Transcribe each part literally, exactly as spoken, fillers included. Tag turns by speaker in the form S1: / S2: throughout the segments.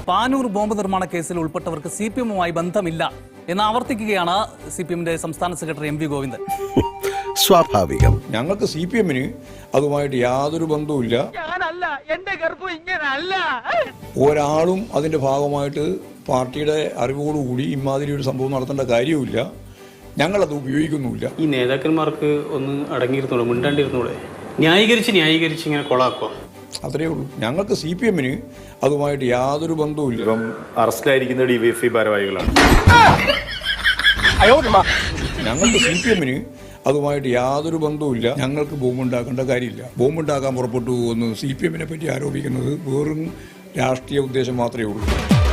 S1: Panoor bomb നിർമ്മാണ കേസിൽ ഉൾപ്പെട്ടവർക്ക് C P എമ്മുമായി ബന്ധമില്ല എന്ന് ആവർത്തിക്കുകയാണ് സി പി എമ്മിന്റെ സംസ്ഥാന സെക്രട്ടറി എം വി ഗോവിന്ദൻ.
S2: സ്വാഭാവികം.
S3: ഞങ്ങൾക്ക് സി പി എമ്മിന് അതുമായിട്ട് യാതൊരു ബന്ധവുമില്ല. ഒരാളും അതിന്റെ ഭാഗമായിട്ട് പാർട്ടിയുടെ അറിവോടുകൂടി ഇമാതിരി ഒരു സംഭവം നടത്തേണ്ട കാര്യവുമില്ല. ഞങ്ങളത് ഉപയോഗിക്കുന്നുമില്ല.
S4: ഈ നേതാക്കന്മാർക്ക് ഒന്ന് അടങ്ങിയിരുന്നൂടെ, മിണ്ടാണ്ടിരുന്നൂടെ? ന്യായീകരിച്ച് ന്യായീകരിച്ച് ഇങ്ങനെ കൊളാക്കുക,
S3: അത്രയേ ഉള്ളൂ. ഞങ്ങൾക്ക് സി പി എമ്മിന് അതുമായിട്ട് യാതൊരു ബന്ധവുമില്ല.
S5: ഇപ്പം അറസ്റ്റിലായിരിക്കുന്ന ഡിവൈഎഫ്ഐ ഭാരവാഹികളാണ്.
S3: ഞങ്ങൾക്ക് സി പി എമ്മിന് അതുമായിട്ട് യാതൊരു ബന്ധവുമില്ല. ഞങ്ങൾക്ക് ബോംബുണ്ടാക്കേണ്ട കാര്യമില്ല. ബോംബുണ്ടാക്കാൻ പുറപ്പെട്ടു പോകുന്നു സി പി എമ്മിനെ പറ്റി ആരോപിക്കുന്നത് വെറും രാഷ്ട്രീയ ഉദ്ദേശം മാത്രമേ ഉള്ളൂ.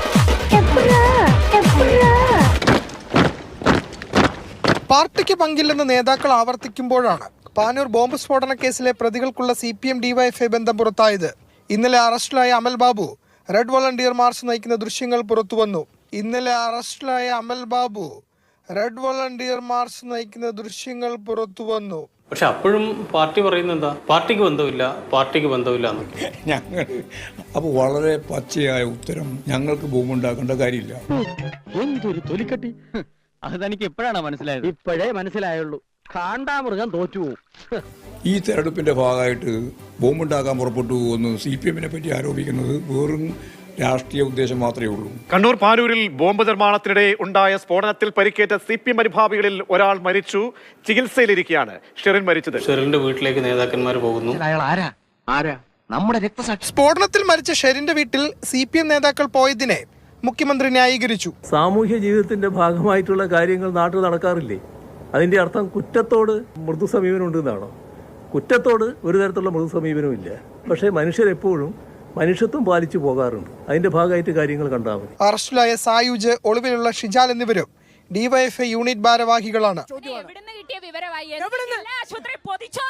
S6: പാർട്ടിക്ക് പങ്കില്ലെന്ന് നേതാക്കൾ ആവർത്തിക്കുമ്പോഴാണ് പാനൂർ ബോംബ് സ്ഫോടന കേസിലെ പ്രതികൾക്കുള്ള സി പി എം ഡിവൈഎഫ്ഐ ബന്ധം പുറത്തായത്. ഇന്നലെ അറസ്റ്റിലായ Amal Babu red volunteer march നയിക്കുന്ന ദൃശ്യങ്ങൾ പുറത്തുവന്നു. ഇന്നലെ അറസ്റ്റിലായ Amal Babu red volunteer march നയിക്കുന്ന ദൃശ്യങ്ങൾ പുറത്തുവന്നു.
S4: പക്ഷെ അപ്പോഴും പാർട്ടി പറയുന്നത് എന്താ? പാർട്ടിക്ക് ബന്ധമില്ല, പാർട്ടിക്ക് ബന്ധമില്ല.
S3: ഞങ്ങൾ അപ്പോൾ വളരെ പച്ചയായ ഉത്തരം, ഞങ്ങൾക്ക് ബോംബുണ്ടാക്കേണ്ട കാര്യമില്ല.
S7: എന്തൊരു തൊലിക്കട്ടി! അത് തനിക്ക് എപ്പോഴാണ് മനസ്സിലായത്? ഇപ്പോഴേ മനസ്സിലായുള്ളൂ. കാണ്ടാമൃഗം തോറ്റു.
S3: ഈ തെരഞ്ഞെടുപ്പിന്റെ ഭാഗമായിട്ട് ബോംബുണ്ടാക്കാൻ പുറപ്പെട്ടു പോകുന്നു സി പി എമ്മിനെ പറ്റി ആരോപിക്കുന്നത് വെറും രാഷ്ട്രീയ ഉദ്ദേശം മാത്രമേ ഉള്ളൂ.
S8: കണ്ണൂർ പാനൂരിൽ ബോംബ് നിർമ്മാണത്തിനിടെ ഉണ്ടായ സ്ഫോടനത്തിൽ പരിക്കേറ്റ സി പി എം അനുഭാവികളിൽ ഒരാൾ മരിച്ചു. ചികിത്സയിലിരിക്കുകയാണ് ഷെറിൻ മരിച്ചത്.
S4: ഷെറിന്റെ വീട്ടിലേക്ക് നേതാക്കന്മാർ പോകുന്നു.
S7: നമ്മുടെ രക്തസാക്ഷി.
S6: സ്ഫോടനത്തിൽ മരിച്ച ഷെറിന്റെ വീട്ടിൽ സി പി എം നേതാക്കൾ പോയതിനെ മുഖ്യമന്ത്രി ന്യായീകരിച്ചു.
S9: സാമൂഹ്യ ജീവിതത്തിന്റെ ഭാഗമായിട്ടുള്ള കാര്യങ്ങൾ നാട്ടിൽ നടക്കാറില്ലേ? അതിന്റെ അർത്ഥം കുറ്റത്തോട് മൃദു സമീപനം ഉണ്ടെന്നാണോ? കുറ്റത്തോട് ഒരു തരത്തിലുള്ള മൃദു സമീപനവും ഇല്ല. പക്ഷേ മനുഷ്യരെപ്പോഴും മനുഷ്യത്വം പാലിച്ചു പോകാറുണ്ട്. അതിന്റെ ഭാഗമായിട്ട് കാര്യങ്ങൾ കണ്ടാൽ മതി.
S6: അറസ്റ്റിലായ സായുജ്, ഒളിവിലുള്ള ഷിജാൽ എന്നിവരും ഡിവൈഎഫ്ഐ യൂണിറ്റ് ഭാരവാഹികളാണ്.